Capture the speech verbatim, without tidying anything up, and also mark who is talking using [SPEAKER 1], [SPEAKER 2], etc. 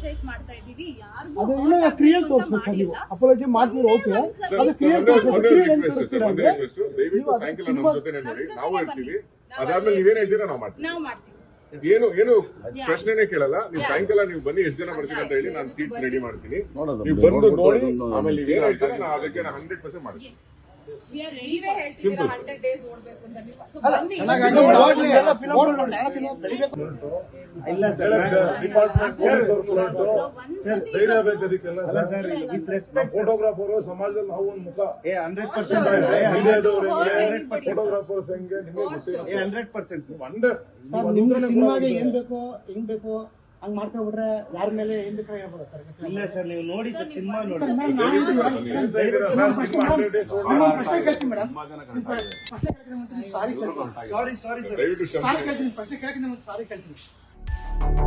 [SPEAKER 1] ಅಪೋಲೋಜೈಸ್ ಮಾಡ್ತಾ ಇದೀವಿ ಯಾರಿಗೂ
[SPEAKER 2] ಅದು ಇಲ್ಲ ಕ್ರಿಯಲ್ ತೋರಿಸ್ಬೇಕು ಸರ್ ನೀವು ಅಪೋಲಜಿ ಮಾಡ್ತೀರಾ ಓಕೆ ಅದು ಕ್ರಿಯಲ್ ತೋರಿಸ್ಬೇಕು ಕ್ರಿಯಲ್ ಏನು ತೋರಿಸ್ತೀರಾ ಅಂದ್ರೆ
[SPEAKER 3] ದಯವಿಟ್ಟು ಸಾಯಂಕಾಲ ನಮ್ಮ ಜೊತೆನೇ ನೋಡಿ ನಾವು ಇರ್ತೀವಿ ಅದಾದ್ಮೇಲೆ ನೀವೇನ್ ಹೇಳ್ತೀರಾ ನಾವು ಮಾಡ್ತೀವಿ
[SPEAKER 1] ನಾವು ಮಾಡ್ತೀವಿ
[SPEAKER 3] ಏನು ಏನು ಪ್ರಶ್ನೆನೇ ಕೇಳಲ್ಲ ನೀವು ಸಾಯಂಕಾಲ ನೀವು ಬನ್ನಿ ಎಷ್ಟು ಜನ ಬರ್ತೀರಾ ಅಂತ ಹೇಳಿ ನಾನು ಸೀಟ್ಸ್ ರೆಡಿ ಮಾಡ್ತೀನಿ ನೀವು ಬಂದು ನೋಡಿ ಆಮೇಲೆ ನೀವೇನ್ ಹೇಳ್ತೀರಾ ನಾನು ಅದಕ್ಕೆ ಹಂಡ್ರೆಡ್ ಪರ್ಸೆಂಟ್ ಮಾಡ್ತೀನಿ
[SPEAKER 1] ನೀವೇ ಹೇಳ್ತಿದ್ದೀರಾ ಹಂಡ್ರೆಡ್ ಡೇಸ್ ಓಡಬೇಕು ಅಂತ ನೀವು ಸೊ ಬನ್ನಿ
[SPEAKER 4] ಇಲ್ಲ ಸರ್
[SPEAKER 5] ಡಿಪಾರ್ಟ್ಮೆಂಟ್ ಪೊಲೀಸ್ ಅವರು ಸರ್ ಧೈರ್ಯ ಬೇಕು ಅದಕ್ಕೆಲ್ಲ ಸರ್
[SPEAKER 4] ವಿತ್ ರೆಸ್ಪೆಕ್ಟ್
[SPEAKER 5] ಫೋಟೋಗ್ರಾಫರ್ ಸಮಾಜದಲ್ಲಿ ನಾವು ಒಂದು ಮುಖ
[SPEAKER 4] ಏ ಹಂಡ್ರೆಡ್ ಪರ್ಸೆಂಟ್
[SPEAKER 5] ಫೋಟೋಗ್ರಾಫರ್ಸ್ ಹೆಂಗೆ ನಿಮಗೆ ಗೊತ್ತಿಲ್ಲ
[SPEAKER 4] ಏ ಹಂಡ್ರೆಡ್ ಪರ್ಸೆಂಟ್
[SPEAKER 5] ಹಂಡ್ರೆಡ್
[SPEAKER 2] ಸರ್ ನಿಮ್ಗೆ ಸಿನಿಮಾಗೆ ಏನ್ ಬೇಕೋ ಹೆಂಗ್ ಬೇಕೋ ಹಂಗ್ ಮಾಡ್ಕೊಂಡ್ಬಿಟ್ರೆ ಯಾರ ಮೇಲೆ ಏನ್ ಬೇಕಾ ಹೇಳ್ಬೋದು ಸರ್
[SPEAKER 4] ಇಲ್ಲ ಸರ್ ನೀವು ನೋಡಿ ಸರ್ ಸಿನಿಮಾ ನೋಡಿ
[SPEAKER 2] ಪ್ರಶ್ನೆ ಕೇಳ್ತೀನಿ ಮೇಡಮ್
[SPEAKER 4] ಸಾರಿ ಸಾರಿ ಸರ್
[SPEAKER 3] ದಯವಿಟ್ಟು ಕ್ಷಮಿಸಿ
[SPEAKER 2] ಸಾರಿ ಕೇಳ್ತೀನಿ ಪ್ರಶ್ನೆ ಕೇಳ್ತೀನಿ ಸಾರಿ ಕೇಳ್ತೀನಿ